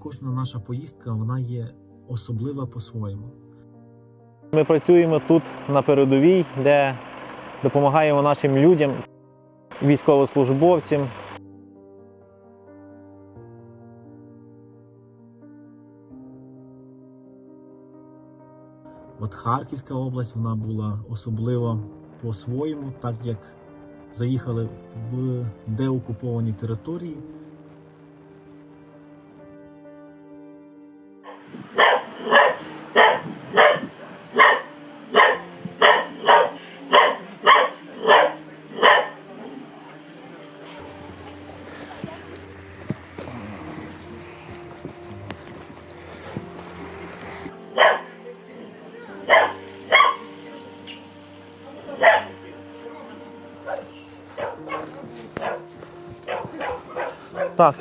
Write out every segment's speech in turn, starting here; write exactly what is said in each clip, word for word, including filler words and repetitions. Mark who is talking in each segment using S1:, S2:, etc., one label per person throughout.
S1: кожна наша поїздка, вона є особлива по-своєму.
S2: Ми працюємо тут на передовій, де допомагаємо нашим людям, військовослужбовцям.
S1: От Харківська область, вона була особлива по-своєму, так як заїхали в деокуповані території.
S2: Так.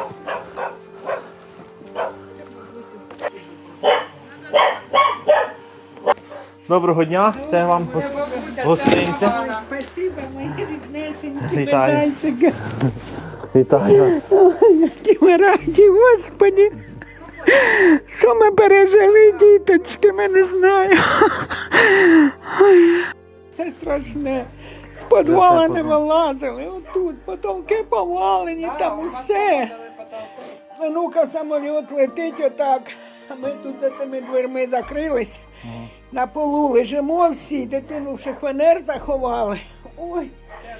S2: Доброго дня, це вам гос- гостинця.
S3: Спасибо, мої ріднесенькі
S2: Вітаю.
S3: медальчики.
S2: Вітаю вас.
S3: Ой, які ми раді, Господи. Що ми пережили, діточки, ми не знаємо. Ой, це страшне. З підвала не вилазили, отут, потолки повалені, там усе. Ну-ка, самоліт летить отак, а ми тут за цими дверми закрились. На полу лежимо всі, дитину в шифонер заховали. Ой,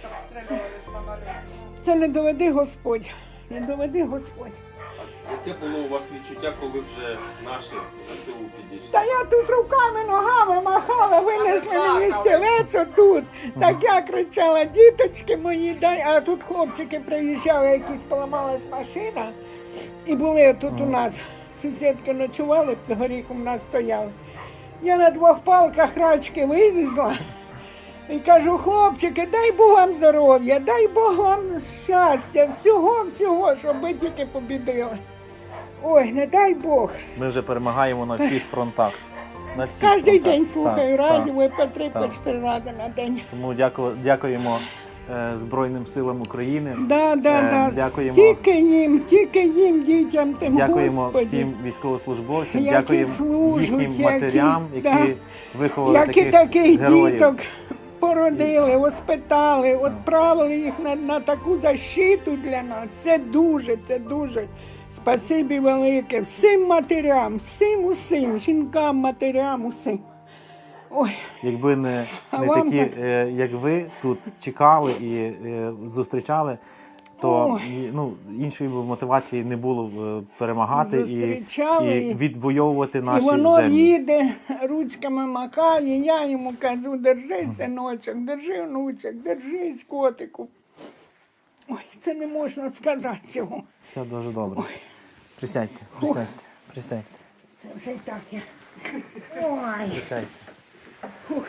S3: це не доведи Господь, не доведи Господь.
S4: Яке було у вас відчуття, коли вже наші ЗСУ підійшли?
S3: Та я тут руками, ногами махала, винесли мені стілець отут. Так я кричала, діточки мої, дай. А тут хлопчики приїжджали, якісь поламалась машина. І були тут у нас, сусідки ночували, під горіхом у нас стояли. Я на двох палках рачки вивезла. І кажу, хлопчики, дай Бог вам здоров'я, дай Бог вам щастя, всього-всього, щоб ви тільки побідили. Ой, не дай Бог.
S2: Ми вже перемагаємо на всіх фронтах. На всіх
S3: Кожен
S2: фронтах.
S3: день слухаю
S2: Так,
S3: радіо,
S2: так.
S3: по три, по
S2: так.
S3: чотири рази на день.
S2: Тому дяку- дякуємо е, Збройним силам України.
S3: Да, да,
S2: Е,
S3: да.
S2: дякуємо.
S3: Тільки їм, тільки їм, дітям тим,
S2: Дякуємо
S3: Господи.
S2: всім військовослужбовцям,
S3: Які
S2: дякуємо
S3: служать,
S2: їхнім
S3: які-
S2: матерям, які
S3: да.
S2: виховали
S3: Які
S2: таких,
S3: таких
S2: героїв.
S3: діток породили, воспитали, відправили їх на, на таку защиту для нас. Це дуже, це дуже. Спасибі велике всім матерям, всім усім, жінкам, матерям, усім. Ой,
S2: Якби не,
S3: А
S2: не
S3: вам
S2: такі,
S3: так?
S2: е, як ви, тут чекали і е, зустрічали, то
S3: Ой.
S2: і, ну, іншої б мотивації не було б, е, перемагати і,
S3: Зустрічали,
S2: і
S3: і-
S2: відвоювати
S3: і
S2: наші
S3: воно
S2: землі.
S3: їде, ручками макає, я йому кажу, держись, синочок, держи, внучок, держись, котику. Ой, це не можна сказати цього.
S2: Все дуже добре. Присядьте, присядьте, присядьте,
S3: Це вже й так я. Ой.
S2: присядьте.
S3: Фух.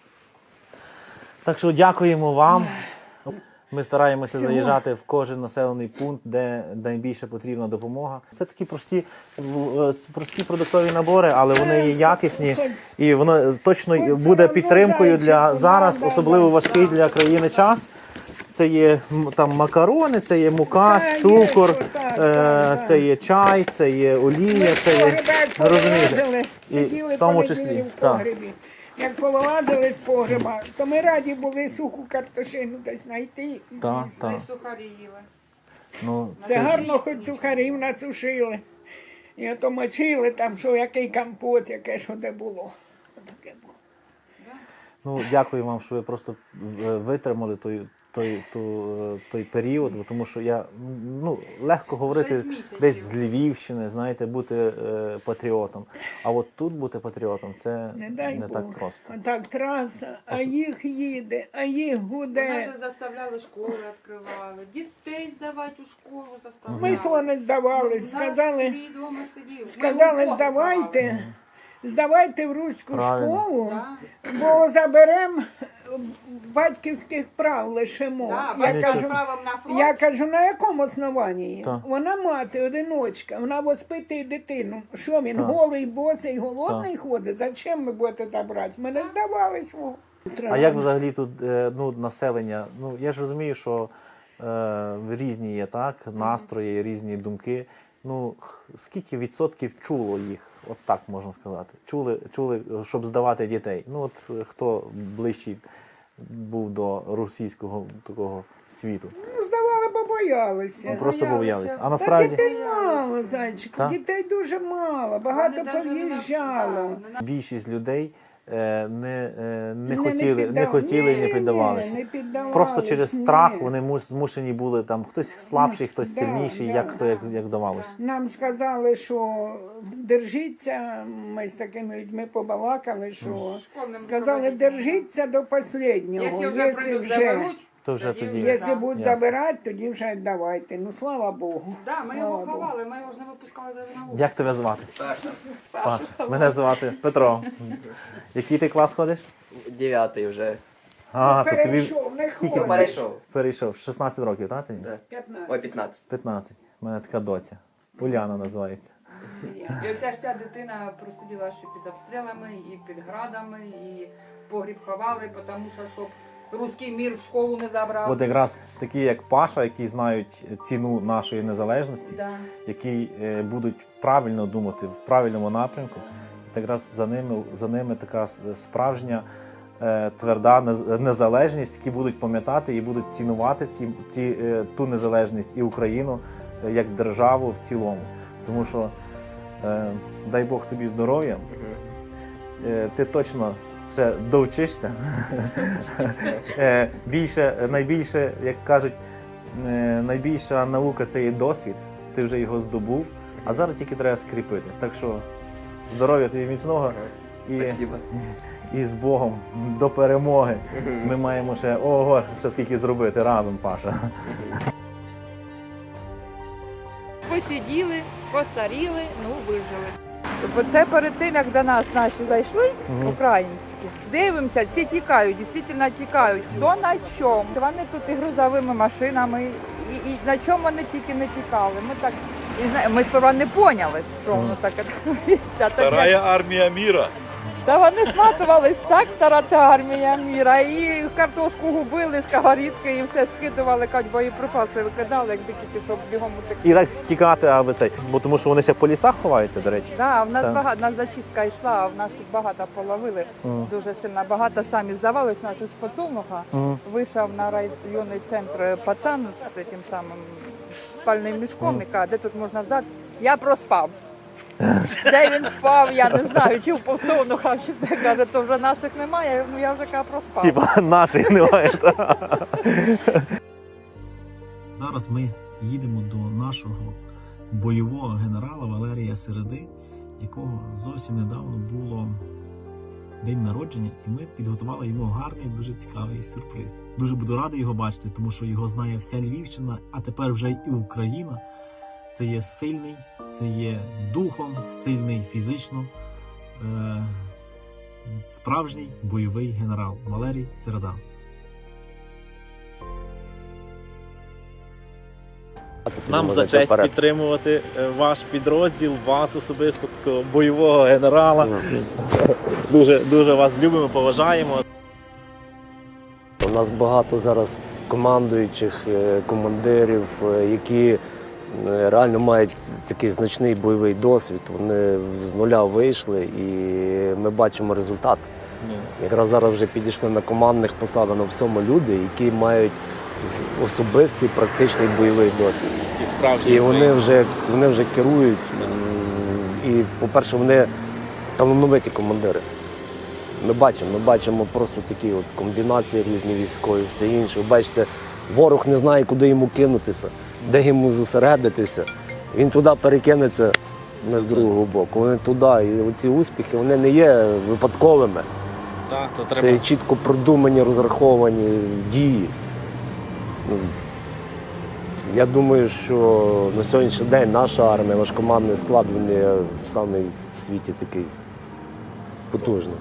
S2: Так що дякуємо вам. Ми стараємося заїжджати в кожен населений пункт, де найбільше потрібна допомога. Це такі прості, е, прості продуктові набори, але вони є якісні і воно точно буде підтримкою для зараз, особливо важкий для країни час. Це є м, там макарони, це є мука,
S3: Та, є,
S2: цукор,
S3: що так,
S2: е,
S3: так, так.
S2: це є чай, це є олія, це є, розумієте, і
S3: сиділи
S2: в тому
S3: понеділі
S2: числі,
S3: в
S2: так.
S3: погребі. Як повилазили з погреба, то ми раді були суху картошину десь знайти.
S2: Так,
S3: їсти.
S2: так.
S5: Сухарі їли.
S2: Ну,
S3: Це
S2: це ж-
S3: гарно, хоч сухарів насушили. І ото мочили там, що який компот, яке що де було. Таке було.
S2: Ну, дякую вам, що ви просто е, витримали той, той, ту, е, той період, бо тому що я, ну, легко говорити
S5: Шість місяців.
S2: десь з Львівщини, знаєте, бути е, патріотом. А от тут бути патріотом, це
S3: Не дай
S2: не
S3: Бог.
S2: так просто.
S3: А так траса, а їх їде, а їх
S5: Вони
S3: гуде.
S5: вже заставляли школи, відкривали. Дітей здавати у школу заставляли.
S3: Ми вони здавали, сказали,
S5: Свій дома сидів.
S3: сказали,
S5: Ми у
S3: здавайте, здавайте в руську
S2: Правильно.
S3: школу,
S5: Да.
S3: бо заберемо батьківських прав лишимо.
S5: Да,
S3: Я
S5: батька
S3: кажу,
S5: з правом на фронт.
S3: Я кажу, на якому основанні?
S2: Так.
S3: Вона мати, одиночка, вона воспитує дитину. Що він,
S2: Так.
S3: голий, босий, голодний ходить? Зачем ми будете забрати? Ми не здавали свого.
S2: А як взагалі тут е, ну, населення? Ну, я ж розумію, що е, різні є так, настрої, різні думки. ну, скільки відсотків чуло їх, от так можна сказати. Чули, чули, щоб здавати дітей. Ну, от хто ближчий був до російського такого світу.
S3: Ну, здавали, бо боялися.
S2: Ну, просто
S5: Боялися.
S2: боялися. А
S3: Та
S2: насправді
S3: дітей мало, зайчику,
S2: Так?
S3: дітей дуже мало, багато
S5: Вони навіть не на-
S3: пов'їжджало.
S5: да, не на-
S2: більшість людей е, не, е, не,
S3: Не-
S2: хотіли, не,
S3: піддав-
S2: хотіли і
S3: Ні,
S2: не
S3: ні,
S2: піддавалися.
S3: не піддавались,
S2: Просто через
S3: ні.
S2: страх вони мус- змушені були, там, хтось слабший, хтось
S3: Да,
S2: сильніший,
S3: да.
S2: як хто як, як давалося.
S3: Нам сказали, що держіться, ми з такими людьми побалакали, що
S5: Школьним
S3: сказали,
S5: руководителем.
S3: держіться до останнього.
S5: Якщо вже прийдуть, заберуть,
S2: То вже тоді.
S3: Якщо
S5: да.
S3: будуть
S2: Ясно.
S3: забирати, тоді вже давайте. Ну, слава Богу.
S5: Да, ми
S3: Слава
S5: його
S3: Богу.
S5: ховали, ми його ж не випускали навіть на вулицю.
S2: Як тебе звати?
S6: Паша.
S2: Паша. Мене звати Петро. Який ти клас ходиш?
S6: Дев'ятий вже.
S2: А, то тобі
S3: Перейшов, не
S2: скільки
S3: ходить.
S6: Перейшов.
S2: перейшов? шістнадцять років, так? тобі?
S6: Да.
S3: п'ятнадцять.
S6: Ой, п'ятнадцять.
S2: п'ятнадцять. У мене така доця. Уляна називається.
S5: І оця ж ця дитина просиділа ще під обстрілами, і під градами, і в погріб ховали, тому що щоб руський мір в школу не забрав.
S2: От якраз такі, як Паша, які знають ціну нашої незалежності,
S5: Да.
S2: які е, будуть правильно думати в правильному напрямку, от якраз за ними, за ними така с- справжня е, тверда нез- незалежність, які будуть пам'ятати і будуть цінувати ті, ті, е, ту незалежність і Україну е, як державу в цілому. Тому що, е, дай Бог тобі здоров'я,
S6: Мгм.
S2: е, ти точно ще довчишся. Е, Більше, найбільше, як кажуть, е, найбільша наука це є досвід, ти вже його здобув, а зараз тільки треба скріпити. Так що здоров'я тобі міцного і,
S6: Спасибо.
S2: і з Богом до перемоги.
S6: Мгм.
S2: Ми маємо ще ого, ще скільки зробити разом, Паша.
S7: Посиділи, постаріли, ну вижили. Бо це перед тим, як до нас наші зайшли,
S2: Мгм.
S7: українські, дивимося, ці тікають, дійсно тікають. Хто на чому? Вони тут і грузовими машинами, і, і на чому вони тільки не тікали. Ми так і зна- ми сперва не поняли, що воно таке твориться. Так як-
S8: Вторая армия мира.
S7: Та вони сматувались так, стара ця армія міра, і картошку губили, сковорідки, і все скидували, кажуть, боєприпаси викидали, як дикі, щоб бігом утекли.
S2: І так втікати, аби цей, бо тому що вони ще по лісах ховаються, до речі.
S7: Да, в нас
S2: Так.
S7: багато, в нас зачистка йшла, а в нас тут багато половили,
S2: Мгм.
S7: дуже сильно багато самі здавались. У нас із Поцолнуха
S2: Мгм.
S7: вийшов на районний центр пацан з тим самим спальним мішком, і каже, де тут можна здати. Я проспав. Де він спав, я не знаю, чи в Поцолнуха, чи де, каже, то вже наших немає, ну я вже каже, проспав.
S2: Типа наших немає.
S1: Зараз ми їдемо до нашого бойового генерала Валерія Середи, якого зовсім недавно було день народження, і ми підготували йому гарний, дуже цікавий сюрприз. Дуже буду радий його бачити, тому що його знає вся Львівщина, а тепер вже і Україна. Це є сильний, це є духом, сильний фізично, е- справжній бойовий генерал Валерій Середа.
S2: Нам за честь підтримувати е, ваш підрозділ, вас особисто, такого бойового генерала. Дуже, дуже вас любимо, поважаємо.
S9: У нас багато зараз командуючих, е, командирів, е, які е, реально мають такий значний бойовий досвід. Вони з нуля вийшли і ми бачимо результат. Якраз зараз вже підійшли на командних посадах на всьому люди, які мають особистий практичний бойовий досвід.
S2: І справді.
S9: І вони вже, вони вже керують. м, І, по-перше, вони талановиті командири. Ми бачимо, ми бачимо просто такі от комбінації різні військові, все інше. Ви бачите, ворог не знає, куди йому кинутися, де йому зосередитися. Він туди перекинеться, ми з другого боку. Вони туди. І оці успіхи вони не є випадковими.
S2: Так, то
S9: Це
S2: треба.
S9: є чітко продумані, розраховані дії. Ну, я думаю, що на сьогоднішній день наша армія, наш командний склад, він є самий в світі такий потужний.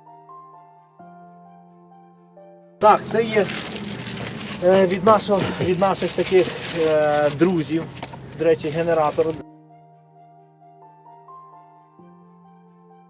S2: Так, це є е, від, нашого, від наших таких е, друзів, до речі, генератор.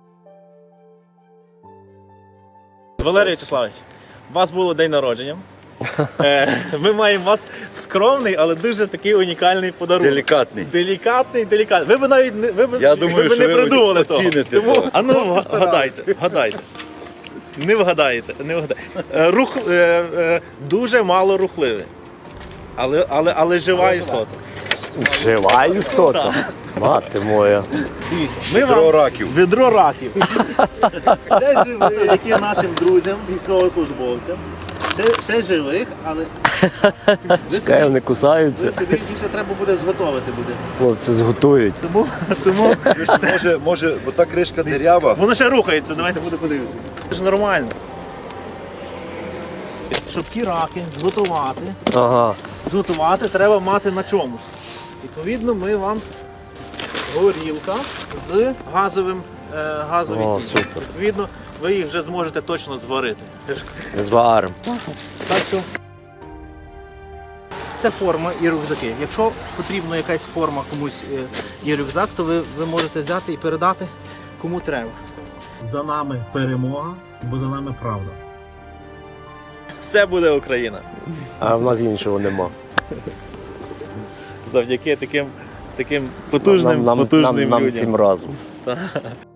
S2: Валерій Вячеславович, у вас було день народження. Е, Ми маємо у вас скромний, але дуже такий унікальний подарунок.
S6: Делікатний.
S2: Делікатний, делікатний. Ви б навіть не, ви б,
S6: Я
S2: ви
S6: думаю,
S2: б
S6: що
S2: не
S6: ви
S2: придумали того.
S6: оціните
S2: Тому,
S6: того.
S2: а ну,
S6: Хлопці
S2: вгадайте, вгадайте. Не вгадаєте, не вгадаєте. Е, Рух, е, е, дуже мало рухливий. Але, але, але жива істота.
S9: Жива істота. Мати моя.
S2: Дивіться, ми
S6: Відро
S2: вам...
S6: раків.
S2: Відро раків. Ще живих, які нашим друзям, військовослужбовцям. Ще, ще живих, але ви
S9: Чекай, вони
S2: собі,
S9: кусаються.
S2: ви собі більше треба буде зготовити буде.
S9: Хлопці зготують.
S2: Тому, тому
S6: Може, може, бо та кришка дирява.
S2: воно ще рухається, давайте буде подивитися. Це ж нормально. Щоб ті раки зготувати,
S9: Ага.
S2: зготувати треба мати на чомусь. Відповідно, ми вам горілка з газовим е, газові
S9: О,
S2: ці.
S9: супер.
S2: Відповідно, ви їх вже зможете точно зварити.
S9: Зварим.
S2: Так що це форма і рюкзаки. Якщо потрібна якась форма комусь е, і рюкзак, то ви, ви можете взяти і передати кому треба. За нами перемога, бо за нами правда. Все буде Україна.
S9: А в нас іншого нема.
S2: Завдяки таким, таким потужним,
S9: нам, нам,
S2: потужним
S9: нам, нам
S2: людям.
S9: всім разом.